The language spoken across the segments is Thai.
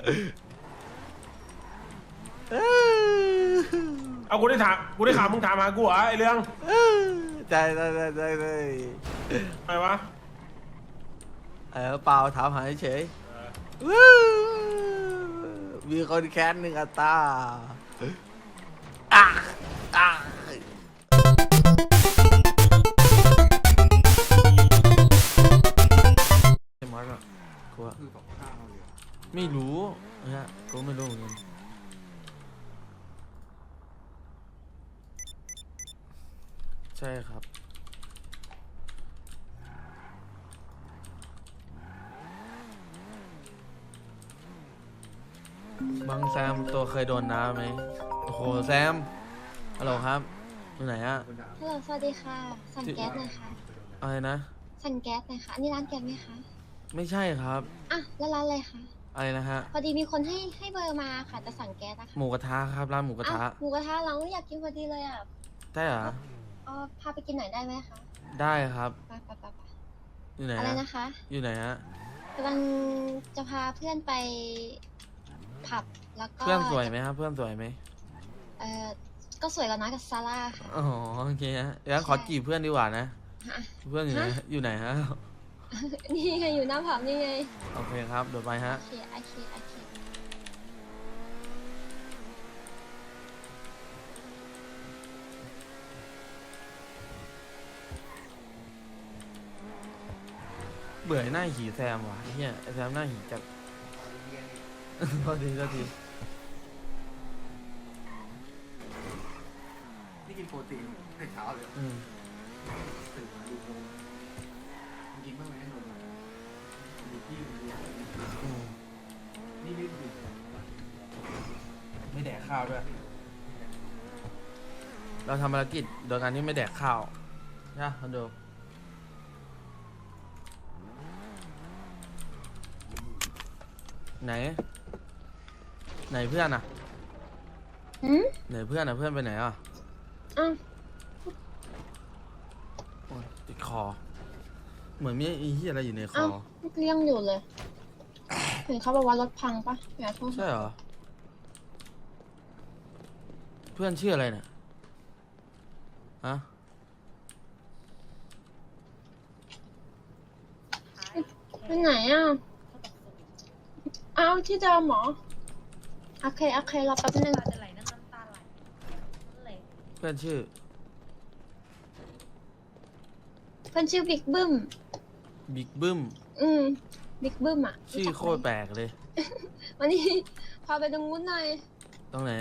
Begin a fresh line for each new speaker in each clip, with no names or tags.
เอากูได้ถามมึงถามหากูเหรอไอเรื่อง
ได้
อะไรวะ
เปล่าถามหาเฉยมีคนแค้นหนึ่งอัตราไอ้มอสอ่ะกูไม่รู้ฮะกูไม่รู้เหมือนกันใช่ครับบังแซมตัวเคยโดนน้ำไหมโอ้โหแซมฮัลโหลครับอยู่ไหนอะ
ฮัลโหลสวัสดีค่ะ สั่งแก๊สหน่อยค่ะ
อะไรนะ
สั่งแก๊สหน่อยค่ะ อันนี้ร้านแก๊สไหมคะ
ไม่ใช่ครับ
อ่ะ แล้วร้านอะไรคะ
อะไรนะฮะ
พอดีมีคนให้เบอร์มาค่ะ จะสั่งแก๊สนะคะ
หมูกระทะครับร้านหมูกระทะ
หมูกระทะเราอยากกินพอดีเลยอ่ะ
ได้เหรอ
พาไปกินหน่อยได้ไหมคะ
ได้ครับ
ไป
อยู่ไหน
อะไร
ฮะ
นะคะ
อยู่ไหนฮะ
กำลังจะพาเพื่อนไปผับ แล้วก็
เพื่อนสวยไหมครับเพื่อนสวยไหม
ก็สวยแล้วนะกับซาร่าค่ะ
อ๋อโอเคฮะงั้นขอจีบเพื่อนดีกว่านะ
ฮะ
เพื่อนอยู่ไหนอยู่ไหนฮะ
นี่ไงอยู่หน้าผับนี่ไง
โอเคครับเดี๋ยวไปฮะ
โอเค
เบื่อไอ้หน้าหีแซมว่ะเฮียไอ้แซมหน้าหีจัด โทษที
นี่กินโปรตีนแต่เช้าเลย
อืม
ตื่นมาดูโมกินบ้างไหมนมดูพี่ดู
อืม
นี่ไม่ดู
ไม่แดกข้าวด้วยเราทำภารกิจโดยการที่ไม่แดกข้าวนะคอนโดไหนเพื่อนอ่ะ
หืม
ไหนเพื่อนอ่ะเพื่อนไปไหนอ่ะ
อ้าว
โอ้ยติดคอเหมือนมีไอ้เหี้ยอะไรอยู่ในค
อ้า
อ
วเลี้ยงอยู่เลย เห็นเขาบอกว่ารถพังปะอย่าโทษ
ใช่เหรอเพื่อนชื่ออะไรเนี่ยฮะ
ไปไหนอ่ะ อ้าวที่เดิมเหรอ โอเครอแป๊บนึง
เพื่อนชื่อ
เพื่อนชื่อบิ๊กบึ้ม
บิ๊กบึ้ม
บิ๊กบึ้มอ่ะ
ชื่อโคตรแปลกเลย
วันนี้ พาไปตรงนู้นหน่อย
ตรงไหน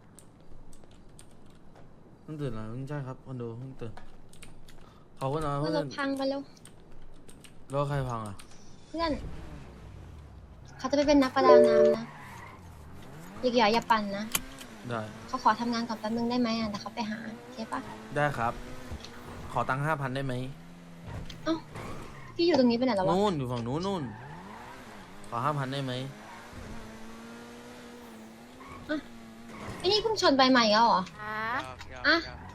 เพิ่งตื่นเหรอเพิ่งใช่ครับคอนโดเพิ่งตื่นเขาก็นอน
ว่ารถพังไปแล้ว
แล้วใครพังอ่ะ
เพื่อน เขาจะไปเป็นนักประดาน้ำนะอย่าปั่นนะ
ได้
เขาขอทำงานก่อนแป๊บนึงได้ไหมอ่ะแต่เขาไปหาโอเคปะ
ได้ครับ ขอตังค์5,000ได้ไหม
พี่อยู่ตรงนี้ไปไหนแล้ววะ
นู่นอยู่ฝั่งนู้นนู่นขอ5,000ได้ไหม
ไอ้นี่เพิ่งชนใบใหม่แล้วเหรอ อ่ะ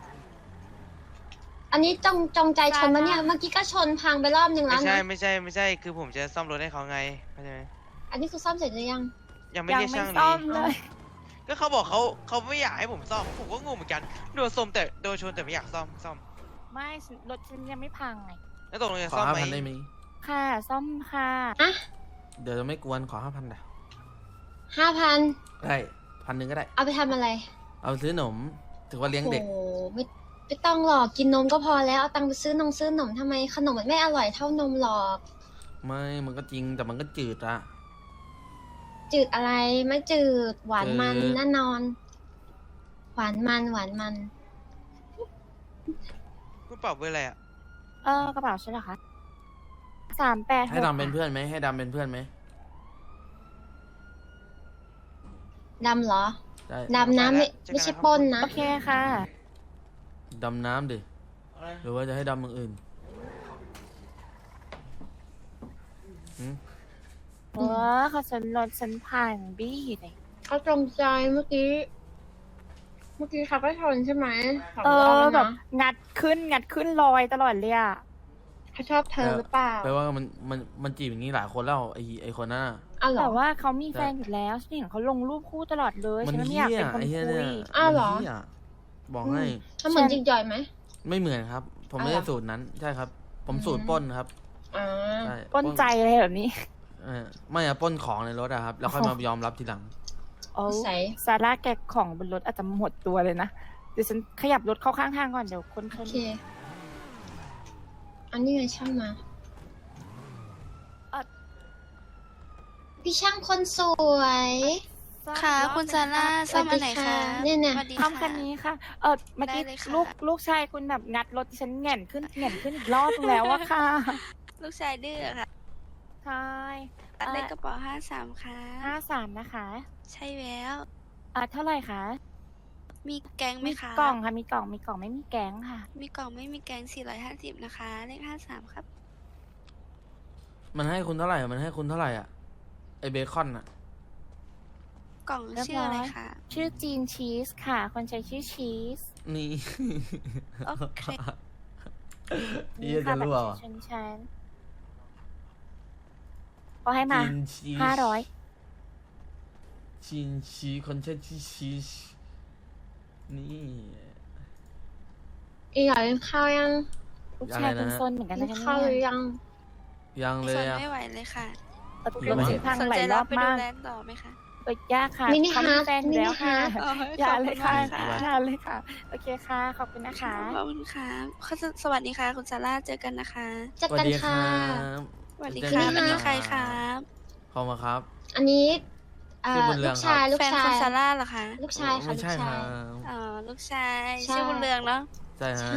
อันนี้จงใจชนมาเนี่ย เมื่อกี้ก็ชนพังไปรอบนึงแล้ว
ไม่
นะ
ใช่ คือผมจะซ่อมรถให้เขาไงเข้าใจไหม
อันนี้คือซ่อมเสร็จหรือยัง
ยังไม่ได้ช่างเลยก็เขาบอกเขาไม่อยากให้ผมซ่อม ผมก็งงเหมือนกัน โดนชนแต่ไม่อยากซ่อม
ไม่รถฉันยังไม่พังไง
แล้วตกลงจะ
ขอ
ซ่อมไหม
5,000ได้ไหม
ค่ะ ซ่อมค่ะ
เดี๋ยวจะไม่กวนขอ5,000ได้
5,000
ได้1,000ก็ได้
เอาไปทำอะไร
เอาซื้อขนมถือว่าเลี้ยงเด็ก
โอ้ไม่ต้องหรอกกินนมก็พอแล้ว เอาตังค์ไปซื้อนมทำไมขนมมันไม่อร่อยเท่านมหรอก
ไม่มันก็จริงแต่มันก็จืดอะ
จืดอะไรไม่จืดหวานมัน
จืด
แน่นอน หวานมัน
คุณเป่าเบอร์อะไรอ่ะ
กระเป๋าฉันเหรอคะ386
ให้ดำเป็นเพื่อนไหมให้ดำเป็นเพื่อนไหม
ดำเหรอ
ได้
ดำนะไม่ใช่ปล้นนะ
โอเคค่ะ
ดำน้ำดิหรือว่าจะให้ดำอย่างอื่นหืม
เขาฉันรถฉันพังบี้เลย
เขาจงใจเมื่อกี้เขาก็ชนใช่ไหมสง
เอ
ร
อ
นะ
แบบงัดขึ้นลอยตลอดเลยอ่ะ
เขาชอบเธอหรือเปล่า
แปลว่ามันจีบอย่างนี้หลายคนแล้วไอ้คนนั้นน่ะ
อ้าวเหรอ
แต่ว่าเขามีแฟนอยู่แล้วฉันเห็นเขาลงรูปคู่ตลอดเลย
มัน
ฉันไม่
เหี้
อย ยากเป็นคน
ไอ้เหี้ย
คุ
เนี่ย
ย
อ้าวเหรอ
มันหี้ยบอกให้
ถ้าเหมือนจิงจอยไหม
ไม่เหมือนครับ ผมไม่
อ้าว
ได้
เหรอ
สูตรนั้นใช่ครับ ผม
อืม
สูตรปล้นครับ
อ่า
ใช่
ปล้นใจอะไรแบบนี้
ไม่อะปล้นของในรถอะครับ แล้วค่อยมายอมรับทีหลัง
โอ้
ใส่
ซาร่าแกะของบนรถอาจจะหมดตัวเลยนะ เดี๋ยวฉันขยับรถเข้าข้างทางก่อนเดี๋ยวคนช
โอน เค อันนี้ไงช่างมา พี่ช่างคนสวย
ค่ะคุณซาร่าซ่อมอันไหนคะ
เนี่ย
สวัสดี
ซ่อม
ค่ะ
คันนี้ค่ะ เมื่อกี้
ได้เลยค่ะ
ลูกชายคุณแบบงัดรถดิฉันแหง่นขึ้นอีกรอบนึงแล้วอะค่ะ
ลูกชายดื้อค่ะ
ใช่
ได้กระเป๋า53ค่ะ
53นะคะ
ใช่แล้ว
เท่าไหร่คะ
มีแกงไหม
มี
คะ
กล่องค่ะ มีกล่องไม่มีแกงค่ะ
มีกล่องไม่มีแกง450นะคะ เลข53ครับ
มันให้คุณเท่าไหร่อะมันให้คุณเท่าไหร่อะไอเบคอนอะ
กล่อง
เรียบร้อย
ชื่ออะไรคะ
ชื่อจีนชีสค่ะ คนใช้ชื่อชีส
นี่
โอเค
เหี้ยจะรั่ว
บัต
ว่ะ
รประชาชนฉันพอให้มา
จีนชีส
500
จีนชีสคนใช้ชื่อชีสนี่
อีกอย่างกินข้าวยัง
ลูกชายคุณซนเหมือนกัน
กิ
นะ
น
คะ
ข้าวหรือ
เนี่ย
ยัง
ยังเล
ส
ย
น
อะ
ไม่ไหวเลยค่ะ
รถเสียทาง
สน
หลา
ใจ
ยร
รั
อ
บบ ไปดู
มาก
แลนด์ต่อไหมคะ
ยากค่ะ
มินิ
เขา
ฮา
มี
ร์ท
แฟนอยู่แล้วค่ะ
มินิฮาร์ท
อ๋อ
อย่าเลยค่ะ
ขอบณมาก
อย่าเลยค่ะ โอเคค่ะ ขอบคุณนะคะ
ขอบคุณค่ะสวัสดีค่ะ คุณซาร่าเจอกันนะคะ
เจัดกันค่ะ
สวัสดี
เจอ
ค่ะ
กั
วัน
น
นี้
นะ
ใครครับ
ขอบคุณครับ
อันนี้
ชื่อบุญเรื
ลู
อง
ก
ครับ
ชายลูก
แฟน
ชา
คุณ
ย
ซาร่าเหรอคะ
ลูกชายค่ะ
ไม่
ลูก
ใช่ค
ชา
รั
ย
บ
อ๋อ ลูกชาย
ใช่
ชื่อบุญเรืองเนาะ
ใช่ฮะ
ใช่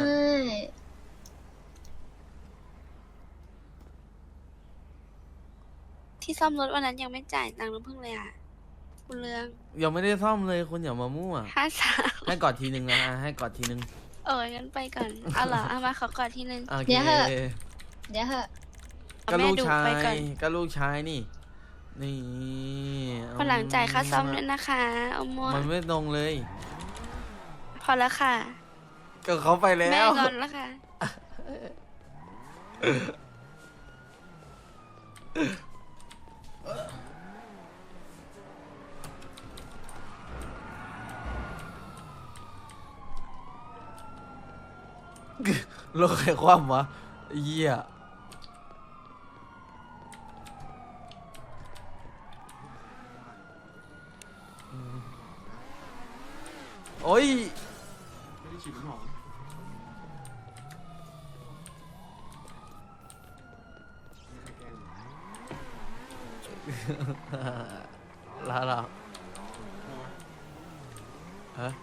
ที่ซ่อมรถวันนั้นยังไม่จ่ายตังค์น้ำพึ่งเลยอ่ะ บุญเรือง
ยังไม่ได้ซ่อมเลยคุณอย่ามามั่ว
53
ให้กอดทีนึงนะให้กอดทีนึง
โอ้ยงั้นไปก่อน เอาเหรอ เอามาขอกอดทีนึง
โอเค
เดี๋ยวเหอะ เดี๋ยวเหอะ
ก็ลูก
แม่ดุ
ชา
ไป
ย
ก่อน
ก็ลูกชายนี่ นี่
วันหลังจ่ายค่าซ่อมด้วยนะคะเอามัว
มันไม่ตรงเลย
พอแล้วค่ะ
ก็เขาไปแล้
แม่
ว
งอนแล้วค่ะ
โลกใครคว่ำวะไอ้เหี้ยโอ้ย
ไม่ได้ฉีดน้ำหอม
ลาลาฮะ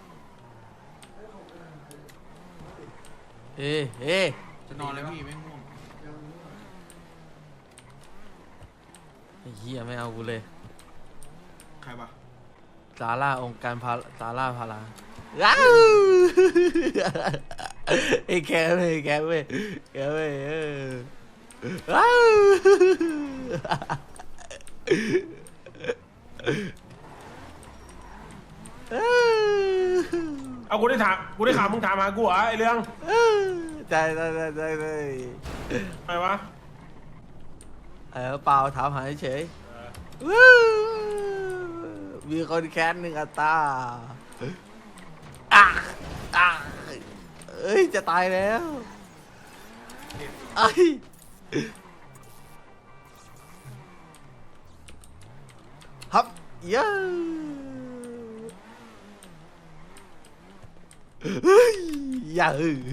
เอ๊ะเอ๊ะ
จะนอนแล้วพี่ไม่ง่วง
ไอ้เหี้ยไม่เอากูเลย
ใครวะ
ซาร่าองค์การพาซาร่าพาราอ้าวไอ้แกเว้ยแกเว้ยแกเว้ยอ้าว
เอากูได้ถามมึงถามหากูเหรอไอเรื่อง
ใจใจใจ
อะไรวะ
เปล่าถามหาเฉยมีคนแค้นหนึ่งอัตราเอ้ยจะตายแล้วไอ้ฮับเย้เฮ้ยอย่า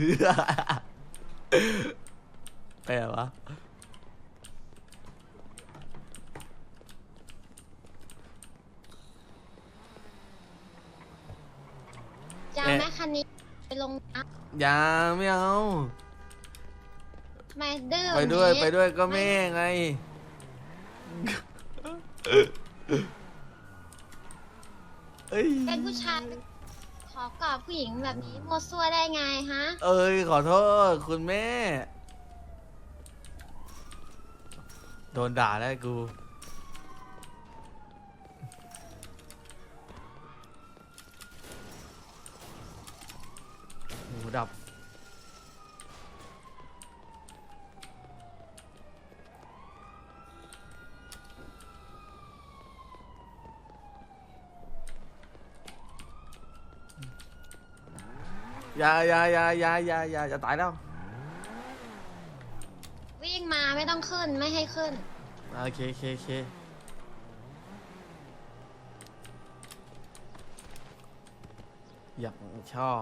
ไปไหนวะ
จะเอาแม่คันนี้ไปลงน้
อย่าไม่เอา
ำทำไมดื้อ
ไปด้วย
อย่างนี้
ไปด้วยก็แม่ไง เอ้ย
เป็นผู้ชายขอกอดผู้หญิงแบบนี้โมวซั่วได้ไงฮะ
เอ้ยขอโทษคุณแม่ โดนด่าแล้วกูหูดับอย่าจะตายแล้ว
วิ่งมาไม่ต้องขึ้นไม่ให้ขึ้น
โอเคอยากชอบ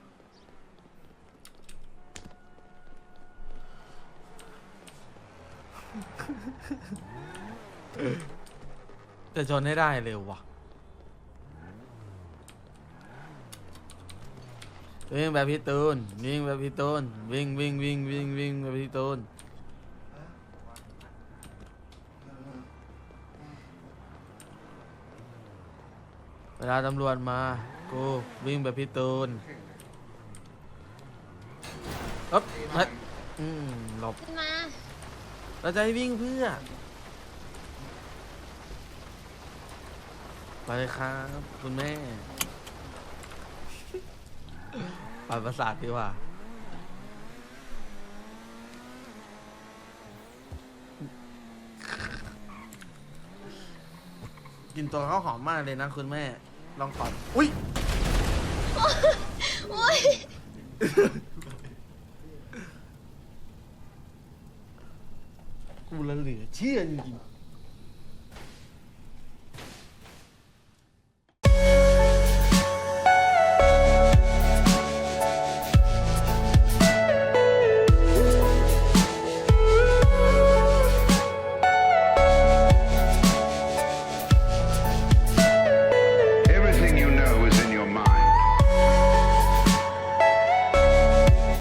จะชนให้ได้เร็วว่ะวิ่งแบบพี่ตูนวิ่งแบบพี่ตูนวิ่งแบบพี่ตูนเวลาตำรวจมากูวิ่งแบบพี่ตูนอ๊บเฮ้ยหลบ
ขึ้นมา
เราจะให้วิ่งเพื่อไปเลยครับคุณแม่ปาดประสาทดีกว่ากินตัวข้าวหอมมากเลยนะคุณแม่ลองก่อนอุ้ย
โอ้ย
กูละเหลือเชื่อจริงๆ